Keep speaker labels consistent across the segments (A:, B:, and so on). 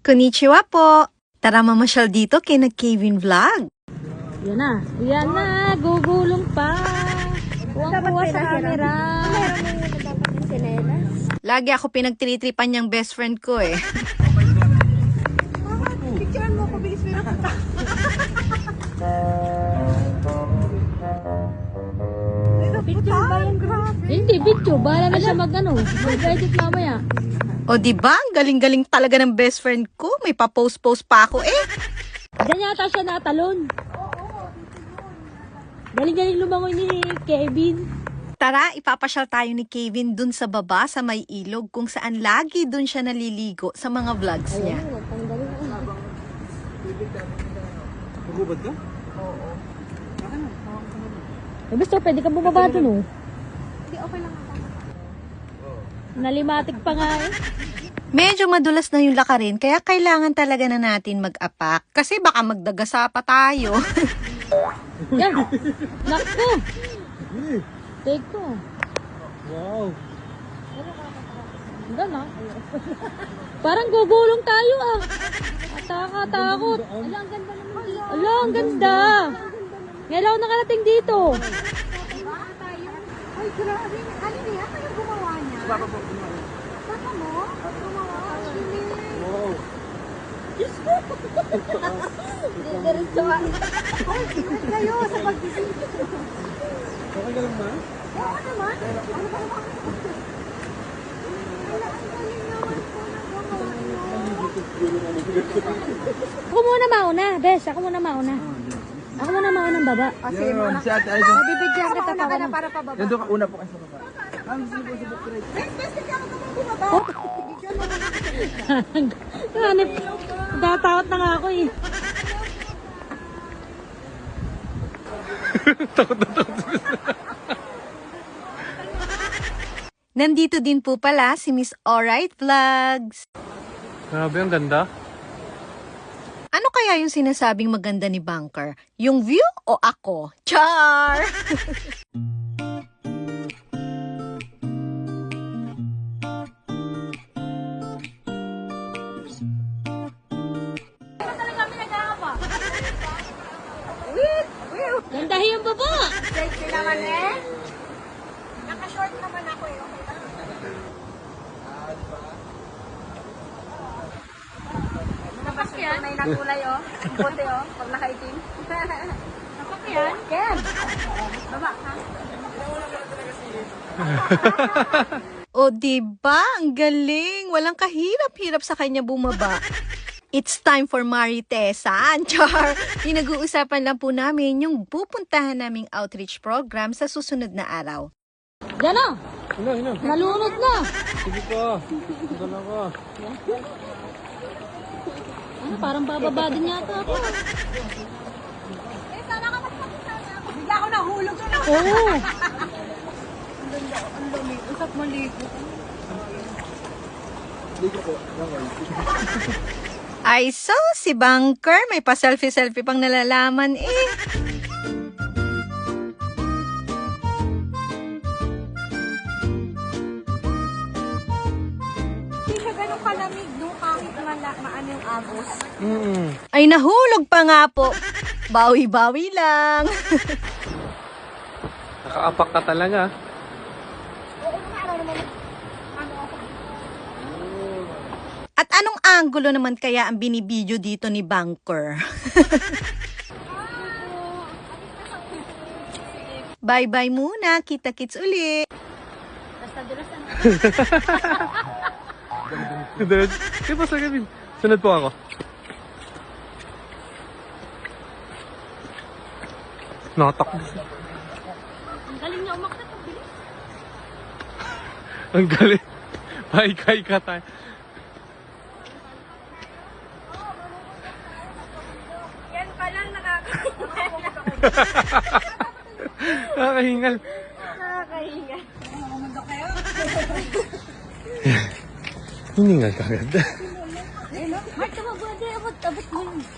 A: Konnichiwa po! Tara mamasyal dito kay Kevin Vlog.
B: Yan na, gugulong pa. Kuwang-kuwa sa camera.
A: Lagi ako pinagtiritripan niyang best friend ko eh.
C: Picturean mo ko, bilis mo na punta.
B: Picture ba yan? Hindi, picture. Bahala na siya mag-edit mamaya.
A: O diba? Ang galing-galing talaga ng best friend ko. May pa-post-post pa ako eh.
B: Diyan yata siya natalon. Galing-galing lumangoy ni Kevin.
A: Tara, ipapasyal tayo ni Kevin dun sa baba sa may ilog kung saan lagi dun siya naliligo sa mga vlogs niya.
D: Magubad ka?
B: Eh, basta pwede ka bumaba dun, oh.
C: Hindi, okay lang ako.
B: Nalimatik pa nga eh.
A: Medyo madulas na yung lakarin kaya kailangan talaga na natin mag-apak kasi baka magdagasa pa tayo.
B: Yan. Naku. Take to.
D: Wow!
B: Gano'n. Parang gugulong tayo ah. Ataka-takot.
C: Ala, ang ganda naman dito.
B: Ala, ang ganda. Ngayon ako nakarating dito.
C: Ay, grabe. Ano niya? Ano gumawa niya?
D: Baba po.
C: Baka mo? Gumawa. Ang bilis.
D: Wow!
C: Diretso ka. Ay, ingat kayo sa pagbibigay.
D: Okay ka lang ba?
C: Oo naman. Ano ba naman? Wala, ang galing naman po nagawa niyo.
B: Ako muna mauna. Bes, ako muna mauna. Ako muna mauna ng baba.
C: Kasi muna.
D: Si Ate Aizen.
B: Bibigyan kita
C: Mauna
B: pa
C: ka na para pababa.
D: Yan doon ka una po kayo sa baba. Ang sino sa bukret?
C: Bes, hindi ako naman bumaba. Bigyan mo naman.
B: Hanip. Datakot na nga ako eh.
A: Nandito din po pala si Miss Alright Vlogs.
D: Grabe, ang ganda.
A: Ano kaya yung sinasabing maganda ni Bunker? Yung view o ako? Char!
B: Gandahin yung baba.
C: Sexy naman eh. Naka-short naman ako eh. Okay lang.
B: Napak yan?
C: May nakulay oh. Puti oh. Pag nakaitim.
B: Napak yan?
C: Ken! Baba ka.
A: O diba? Ang galing! Walang kahirap-hirap sa kanya bumaba. It's time for Maritesan, Char! Pinag-uusapan lang po namin yung pupuntahan naming outreach program sa susunod na araw.
B: Yan na.
D: Hino.
B: Nalunod na.
D: Sige pa. Dala ka.
B: Ano, parang bababa din yata ako.
C: Eh, sana ka magpapasana ako. Bigla ako nahulog na.
B: Oo.
C: Ang dami. Usap maligo.
D: Dito po.
A: Ay, so, si Bunker, may pa-selfie-selfie pang nalalaman eh.
C: Hindi siya ganun kalamig nung kahit maano yung agos.
A: Ay, nahulog pa nga po. Bawi-bawi lang.
D: Nakaapak ka talaga.
C: Oo, ano naman. Ano ako.
A: At anong anggulo naman kaya ang binibidyo dito ni Bunker? Bye-bye muna. Kita-kits uli.
B: Basta dulas ano.
D: Sunod. Kaya pa sa Kevin. Sunod po ako. Nakatakbo.
B: Ang galing niya umakit. Ang bilis.
D: Ang galing. Paikay ka tayo.
C: Yan pa lang
D: Nakakahingal.
C: nakakahinga. Namumundo kayo?
D: Hiningal ka agad.
C: Mark, tumabudi. Abot mo yun.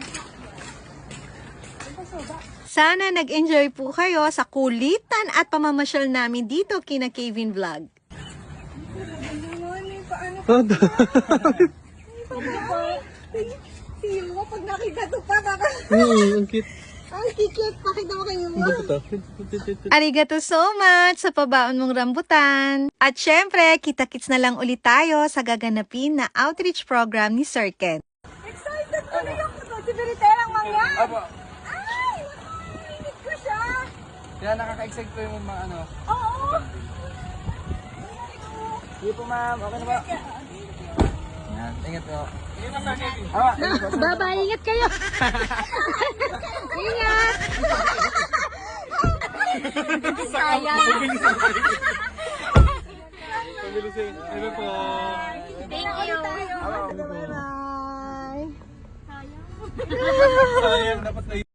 A: Sana nag-enjoy po kayo sa kulitan at pamamasyal namin dito kina Kevin Vlog.
C: Ano, paano?
D: Oh,
C: Si Yuwa, pag nakita to pa, baka...
D: Ang cute.
C: Ang kikit, pakita mo kay Yuwa.
A: Arigato so much sa pabaon mong rambutan. At syempre, kita-kits na lang ulit tayo sa gaganapin na outreach program ni Sir Ken.
C: Excited tuloy ako to. Si Beriterang Mangyan.
E: Apo.
C: Ay, init ko siya.
E: Kaya nakaka-excite po yung mga ano.
C: Oo.
E: Sige po ma'am, okay na ba? Yan, ingat po.
B: Bye-bye, ingat kayo. Ingat.
C: Sayang.
D: Pabilisin. Ano po?
B: Thank you.
C: Bye-bye.
E: Sayang, dapat na